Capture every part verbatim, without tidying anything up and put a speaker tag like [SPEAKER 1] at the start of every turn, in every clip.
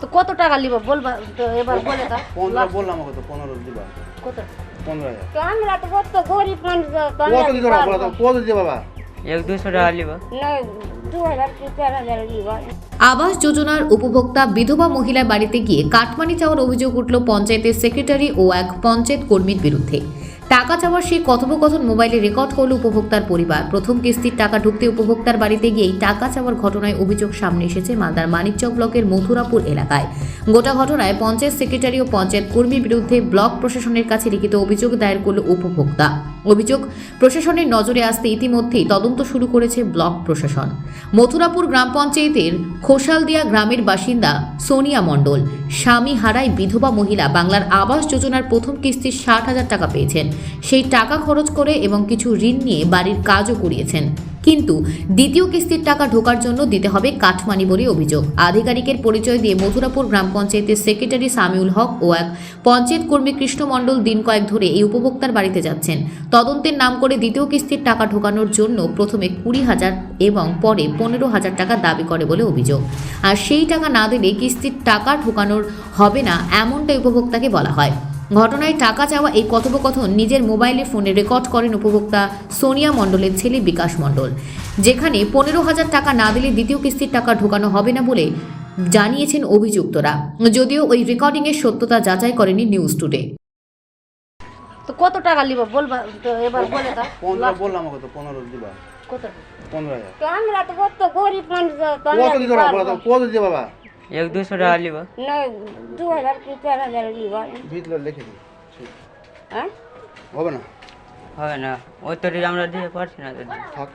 [SPEAKER 1] তো কত টাকা লিবা বলবা তো এবার বলে দাও।
[SPEAKER 2] পনেরো বললাম আমাকে তো পনেরো দিবা।
[SPEAKER 1] কত?
[SPEAKER 2] পনেরো হাজার।
[SPEAKER 3] তো আমরা তো কত গরিব মানুষ তো আমরা
[SPEAKER 2] কত কি করে বলো তো কত দিতে বাবা?
[SPEAKER 4] এক দুশো টাকা লিবা।
[SPEAKER 3] না দু হাজার কি চার হাজার লিবা।
[SPEAKER 5] আবাস যোজনার উপভোক্তা বিধবা মহিলার বাড়িতে গিয়ে কাটমানি চাওয়ার অভিযোগ উঠল পঞ্চায়েতের সেক্রেটারি ও এক পঞ্চায়েত কর্মীর বিরুদ্ধে। টাকা চাওয়ার সেই কথোপকথন মোবাইলে রেকর্ড করল উপভোক্তার পরিবার। প্রথম কিস্তির টাকা ঢুকতে উপভোক্তার বাড়িতে গিয়েই টাকা চাওয়ার ঘটনায় অভিযোগ সামনে এসেছে মালদার মানিকচক ব্লকের মথুরাপুর এলাকায়। গোটা ঘটনায় পঞ্চায়েত সেক্রেটারি ও পঞ্চায়েত কর্মীর বিরুদ্ধে ব্লক প্রশাসনের কাছে লিখিত অভিযোগ দায়ের করল উপভোক্তা। অভিযোগ প্রশাসনের নজরে আসতে ইতিমধ্যেই তদন্ত শুরু করেছে ব্লক প্রশাসন। মথুরাপুর গ্রাম পঞ্চায়েতের খোসালদিয়া গ্রামের বাসিন্দা সোনিয়া মণ্ডল স্বামী হারায় বিধবা মহিলা বাংলার আবাস যোজনার প্রথম কিস্তির ষাট হাজার টাকা পেয়েছেন। সেই টাকা খরচ করে এবং কিছু ঋণ নিয়ে বাড়ির কাজও করিয়েছেন, কিন্তু দ্বিতীয় কিস্তির টাকা ঢোকার জন্য দিতে হবে কাটমানি বলে অভিযোগ। আধিকারিকের পরিচয় দিয়ে মথুরাপুর গ্রাম পঞ্চায়েতের সেক্রেটারি সামিউল হক ও এক পঞ্চায়েত কর্মী কৃষ্ণ মণ্ডল দিন কয়েক ধরে এই উপভোক্তার বাড়িতে যাচ্ছেন। তদন্তের নাম করে দ্বিতীয় কিস্তির টাকা ঢোকানোর জন্য প্রথমে কুড়ি হাজার এবং পরে পনেরো হাজার টাকা দাবি করে বলে অভিযোগ। আর সেই টাকা না দিলে কিস্তির টাকা ঢোকানোর হবে না, এমনটাই উপভোক্তাকে বলা হয়। ঘটনায় টাকা চাওয়া এই কথোপকথন নিজের মোবাইলে ফোনে রেকর্ড করেন উপভোক্তা সোনিয়া মণ্ডলের ছেলে বিকাশ মণ্ডল, যেখানে পনেরো হাজার টাকা না দিলে দ্বিতীয় কিস্তির টাকা ঢোকানো হবে না বলে জানিয়েছেন অভিযুক্তরা, যদিও ওই রেকর্ডিংয়ের সত্যতা যাচাই করেনি নিউজ টুডে।
[SPEAKER 1] তো কত টাকা লিবা বলবা তো এবার বলে দাও।
[SPEAKER 2] পনেরো বললাম আমাকে তো পনেরো দিবা।
[SPEAKER 1] কত?
[SPEAKER 2] পনেরো হাজার।
[SPEAKER 3] তো আমরা তো কত গরিব মানুষ তো আমরা
[SPEAKER 2] কত কি করে বলো তো কত দিতে বাবা?
[SPEAKER 4] এক দুশো টাকা লিবা।
[SPEAKER 3] না দু হাজার কি চার হাজার লিবা।
[SPEAKER 2] ভিতরে লিখে দিই।
[SPEAKER 3] হ্যাঁ
[SPEAKER 2] হবে না?
[SPEAKER 4] হবে না, ওই তো আমরা দিতে পারছি না দাদা।
[SPEAKER 2] থাক,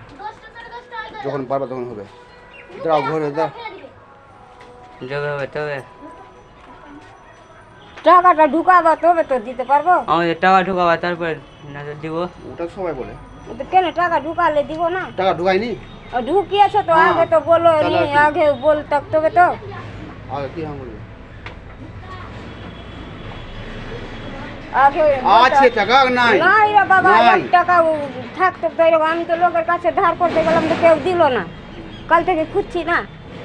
[SPEAKER 2] যখন পারবা তখন হবে। দাও ঘরে দাও।
[SPEAKER 4] যবে হবে তবে
[SPEAKER 3] টাকাটা ঢুকাবো তবে তো দিতে পারবো।
[SPEAKER 4] আমাদের টাকা ঢুকাবা তারপর না তো দিব।
[SPEAKER 2] ওটা সবাই বলে।
[SPEAKER 3] তো কেন টাকা ঢুকালে দিব না?
[SPEAKER 2] টাকা ঢুকাইনি?
[SPEAKER 3] আর ঢুকিয়েছো তো
[SPEAKER 2] হ্যাঁ।
[SPEAKER 3] আগে তো বলো নি,
[SPEAKER 2] তাহলে কি?
[SPEAKER 3] আগে বলতে তবে তো
[SPEAKER 2] আগে কি হাম বলবে?
[SPEAKER 3] আগে
[SPEAKER 2] আছে টাকা নাই?
[SPEAKER 3] নাই রে বাবা,
[SPEAKER 2] নাই।
[SPEAKER 3] এক টাকা থাকতো তো এরকম। আমি তো লোকের কাছে ধার করতে গেলাম তো কেউ দিল না, কাল থেকে খুঁজছি না।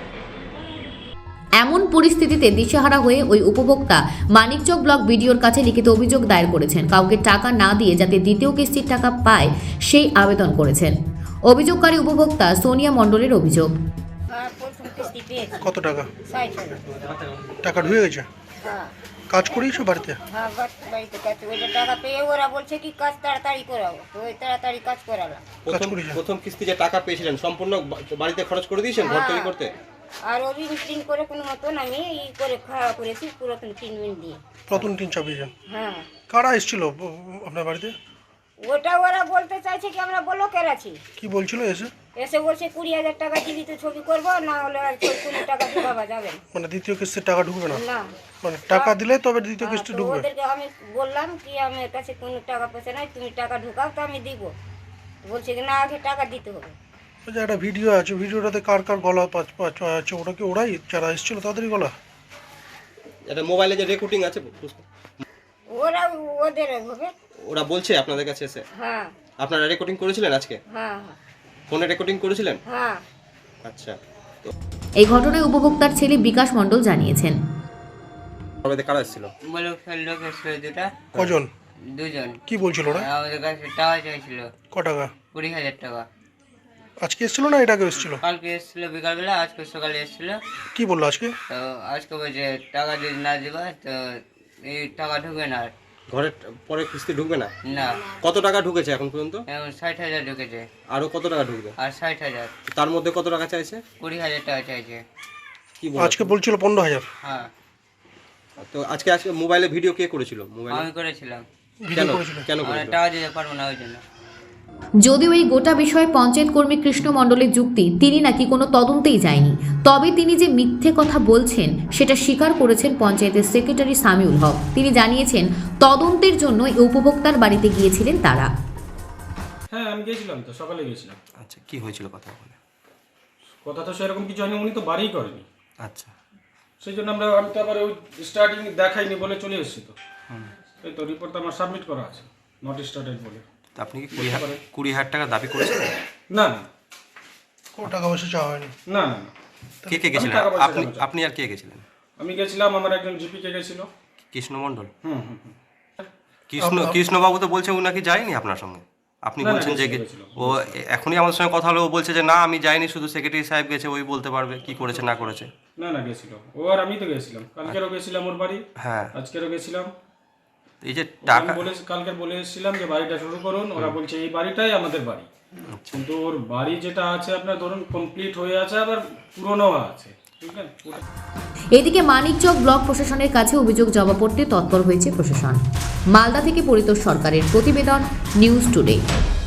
[SPEAKER 5] এমন পরিস্থিতিতে দিশেহারা হয়ে ওই উপভোক্তা মানিকচক ব্লক বিডিওর কাছে লিখিত অভিযোগ দায়ের করেছেন। কাউকে টাকা না দিয়ে যাতে দ্বিতীয় কিস্তির টাকা পায় সেই আবেদন করেছেন। অভিযোগকারী উপভোক্তা সোনিয়া মণ্ডলের অভিযোগ।
[SPEAKER 3] হ্যাঁ, প্রথম কিস্তি পেয়েছি
[SPEAKER 6] কত টাকা?
[SPEAKER 3] ষাট হাজার।
[SPEAKER 6] টাকা ঢুকে গেছে?
[SPEAKER 3] হ্যাঁ
[SPEAKER 6] কাজ করিয়েছো বাড়িতে?
[SPEAKER 3] হ্যাঁ, বাড়ি- বাড়িতে কাজ ওইটা টাকা পেয়ে ওরা বলছে কি কাজ তাড়াতাড়ি করাবো, তো ওই তাড়াতাড়ি কাজ করালাম।
[SPEAKER 6] কাজ
[SPEAKER 7] প্রথম
[SPEAKER 6] করেছেন?
[SPEAKER 7] প্রথম কিস্তি যে টাকা পেয়েছিলেন সম্পূর্ণ বা- বাড়িতে খরচ করে দিয়েছেন ঘর তৈরি করতে?
[SPEAKER 3] আর ও ঋণ টিন করে কোনো মতন আমি ই করে খাওয়া করেছি পুরাতন টিন মিন দিয়ে।
[SPEAKER 6] প্রথম তিন চাপিয়েছেন?
[SPEAKER 3] হ্যাঁ,
[SPEAKER 6] কারা এসেছিল ব- আপনার বাড়িতে?
[SPEAKER 3] ওটা ওরা বলতে চাইছে কি আমরা ব্লকের আছি,
[SPEAKER 6] কি বলছিল এসে?
[SPEAKER 3] এসে বলছে কুড়ি হাজার টাকা দিবি তো ছবি করবো, না হলে আর ছবি কোনো টাকা ঢুকাবা যাবে না।
[SPEAKER 6] মানে দ্বিতীয় কিস্তির টাকা ঢুকবে না?
[SPEAKER 3] না,
[SPEAKER 6] মানে টাকা দিলে তবে দ্বিতীয়
[SPEAKER 3] হ্যাঁ,
[SPEAKER 6] কিস্তি
[SPEAKER 3] তো
[SPEAKER 6] ঢুকবে?
[SPEAKER 3] ওদেরকে আমি বললাম কি আমার কাছে কোনো টাকা পয়সা নাই, তুমি টাকা ঢুকাও তো আমি দিব। বলছে কি না আগে টাকা দিতে হবে।
[SPEAKER 6] ওই যে একটা ভিডিও আছে, ভিডিওটাতে কার কার গলা পাঁচ পাঁচ আছে, ওটা কি ওরাই যারা এসেছিল তাদেরই গলা?
[SPEAKER 7] এটা মোবাইলে যে রেকর্ডিং আছে
[SPEAKER 3] ওরা ওদের হবে।
[SPEAKER 7] ওরা বলছে আপনাদের কাছে এসে?
[SPEAKER 3] হ্যাঁ
[SPEAKER 7] আপনারা রেকর্ডিং করেছিলেন আজকে?
[SPEAKER 3] হ্যাঁ
[SPEAKER 7] ফোনে রেকর্ডিং করেছিলেন?
[SPEAKER 3] হ্যাঁ।
[SPEAKER 7] আচ্ছা, তো
[SPEAKER 5] এই ঘটনায় উপভোক্তার ছেলে বিকাশ মণ্ডল জানিয়েছেন।
[SPEAKER 7] বাড়িতে কারা এসেছিল?
[SPEAKER 4] বলে লোক এসেছিল দুটা,
[SPEAKER 6] কজন?
[SPEAKER 4] দুজন।
[SPEAKER 6] কি বলছিল ওরা?
[SPEAKER 4] আমাদের কাছে টাকা চাইছিল
[SPEAKER 6] ক টাকা?
[SPEAKER 4] কুড়ি হাজার টাকা।
[SPEAKER 6] আজকে এসেছিল না এটা আগে এসেছিল?
[SPEAKER 4] কালকে এসেছিল বিকালবেলা, আজকে সকালে এসেছিল।
[SPEAKER 6] কি বললো আজকে?
[SPEAKER 4] তো আজকে বলছে টাকা যদি না দিবা তো এই টাকা ঢুকবে না আর।
[SPEAKER 7] ঘরের পরে কিস্তি ঢুকবে না?
[SPEAKER 4] না,
[SPEAKER 7] কত টাকা ঢুকেছে এখন পর্যন্ত?
[SPEAKER 4] এখন ষাট হাজার ঢুকেছে।
[SPEAKER 7] আরো কত টাকা ঢুকবে?
[SPEAKER 4] আর ষাট হাজার,
[SPEAKER 7] তার মধ্যে কত টাকা চাইছে?
[SPEAKER 4] কুড়ি হাজার টাকা চাইছে।
[SPEAKER 7] কি বলে?
[SPEAKER 6] আজকে বলছিল পনেরো হাজার।
[SPEAKER 4] হ্যাঁ,
[SPEAKER 7] তো আজকে আজকে মোবাইলে ভিডিও কে করেছিল? মোবাইলে
[SPEAKER 4] আমি করেছিলাম।
[SPEAKER 6] ভিডিও
[SPEAKER 7] কেন
[SPEAKER 6] করেছিল?
[SPEAKER 7] কেন
[SPEAKER 4] আমরা
[SPEAKER 7] করেছিল?
[SPEAKER 4] টাকা দিতে পারবো না ওই জন্য।
[SPEAKER 5] যদিও এই গোটা বিষয়ে পঞ্চায়েত কর্মী কৃষ্ণ মণ্ডলের যুক্তি তিনি নাকি কোনো তদন্তেই যায়নি, তবে তিনি যে মিথ্যে কথা বলছেন সেটা স্বীকার করেছেন পঞ্চায়েতের সেক্রেটারি সামিউল হক। তিনি জানিয়েছেন তদন্তের জন্য এই উপভোক্তার বাড়িতে গিয়েছিলেন তারা।
[SPEAKER 8] হ্যাঁ আমি গিয়েছিলাম, তো সকালে গিয়েছিলাম।
[SPEAKER 7] আচ্ছা, কি হয়েছিল কথা বলে?
[SPEAKER 8] কথা তো সেরকম কিছু হয়নি, উনি তো বাড়িই করেনি।
[SPEAKER 7] আচ্ছা,
[SPEAKER 8] সেই জন্য আমরা আমি তো আবার ওই স্টার্টিং দেখাইনি বলে চলে এসেছি। তো এই তো রিপোর্ট আমার সাবমিট করা আছে, নট স্টার্টেড বলে।
[SPEAKER 7] তো আপনি কি কুড়ি হাজার কুড়ি হাজার টাকা দাবি করেছেন?
[SPEAKER 8] না না
[SPEAKER 6] ক টাকা পয়সা চাওয়া হয়নি?
[SPEAKER 8] না না না।
[SPEAKER 7] কে কে গেছিলেন?
[SPEAKER 8] টাকা পয়সা
[SPEAKER 7] আপনি
[SPEAKER 8] জানাচ্ছি।
[SPEAKER 7] আপনি আর কে গেছিলেন?
[SPEAKER 8] আমি গেছিলাম, আমার একজন জিপিকে গেছিল।
[SPEAKER 9] কৃষ্ণ মণ্ডল?
[SPEAKER 8] হুম হুম হুম।
[SPEAKER 9] কৃষ্ণ কৃষ্ণবাবু তো বলছে ও নাকি যায়নি আপনার সঙ্গে, আপনি
[SPEAKER 8] না, না,
[SPEAKER 9] বলছেন যে
[SPEAKER 8] গেছিল, গেছিল,
[SPEAKER 9] ও এখনই আমাদের সঙ্গে কথা হলো, ও বলছে যে না আমি যাইনি, শুধু সেক্রেটারি সাহেব গেছে, ওই বলতে পারবে কি করেছে না করেছে।
[SPEAKER 8] না না গেছিল ও, আর আমি তো গেছিলাম, কালকেরও গেছিলাম ওর বাড়ি,
[SPEAKER 9] হ্যাঁ,
[SPEAKER 8] আজকেরও গেছিলাম।
[SPEAKER 9] এই যে
[SPEAKER 8] আমি
[SPEAKER 9] টাকা
[SPEAKER 8] বলে কালকে বলে এসেছিলাম যে বাড়িটা শুরু করুন, ওরা বলছে এই বাড়িটাই আমাদের বাড়ি, কিন্তু ওর বাড়ি যেটা আছে আপনার ধরুন কমপ্লিট হয়ে আছে, আবার পুরনো আছে, ঠিক আছে। ওটা
[SPEAKER 5] এদিকে মানিকচক ব্লক প্রশাসনের কাছে অভিযোগ জমা পড়তে তৎপর হয়েছে প্রশাসন। মালদা থেকে পরিতোষ সরকারের প্রতিবেদন, নিউজ টুডে।